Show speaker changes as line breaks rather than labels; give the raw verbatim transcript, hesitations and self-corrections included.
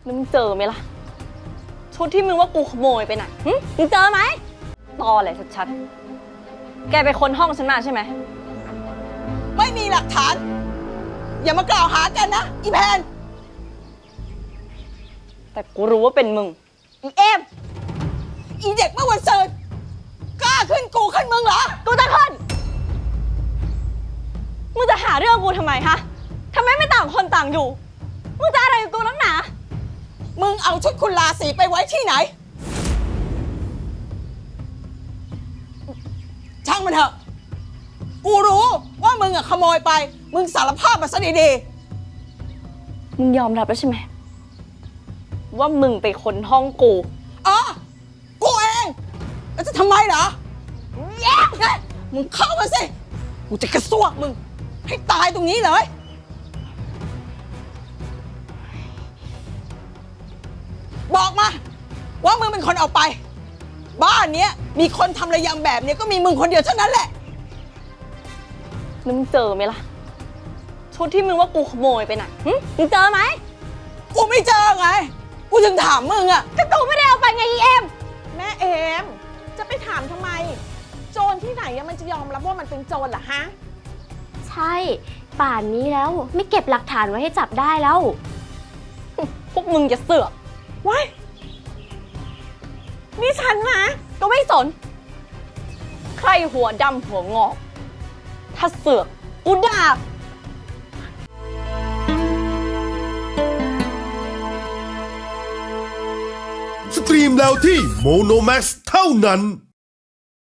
แล้วมึงเจอไหมล่ะชุดที่มึงว่ากูขโมยไปน่ะหึมึงเจอไหมตอแหละชัดๆแกไปค้นห้องฉันมาใช่ไหม
ไม่มีหลักฐาน อย่ามากล่าวหากันนะอีแพน
แต่กูรู้ว่าเป็นมึงอีเอม
อีเด็กเมื่อวันเสาร์กล้าขึ้นกูขึ้นมึงเหรอ
กูจะขึ้นมึงจะหาเรื่องกูทำไมฮะทำไมไม่ต่างคนต่างอยู่มึงจะอะไรกับกูนักหนา
มึงเอาชุดคุณลาสีไปไว้ที่ไหนช่างมันเถอะกูรู้ว่ามึงอะขโมยไปมึงสารภาพมาซะดี
ๆมึงยอมรับแล้วใช่ไหมว่ามึงไปค้นห้องกู
อ๋อกูเองแล้วจะทำไมเหรอแย่มึงเข้ามาสิกูจะกระซวกมึงให้ตายตรงนี้เลยบอกมาว่ามึงเป็นคนเอาไปบ้านเนี้ยมีคนทำระยำแบบนี้ก็มีมึงคนเดียวเท่านั้นแหละ
แล้วมึงเจอไหมล่ะชุดที่มึงว่ากูขโมยไปน่ะหึมึงเจอไหม
กูไม่เจอไงกูถึงถามมึงอะ
ก็กูไม่ได้เอาไปไงอีเอ็ม
แม่เอมจะไปถามทำไมโจรที่ไหนมันจะยอมรับว่ามันเป็นโจรเหรอฮะ
ใช่ป่านนี้แล้วไม่เก็บหลักฐานไว้ให้จับได้แล้ว
พวกมึงจะเสือก
ว้ายนี่ฉันนะ
ก็ไม่สนใครหัวดำหัวงอกถ้าเสือกกูด่า
สตรีมแล้วที่โมโนแม็กซ์เท่านั้น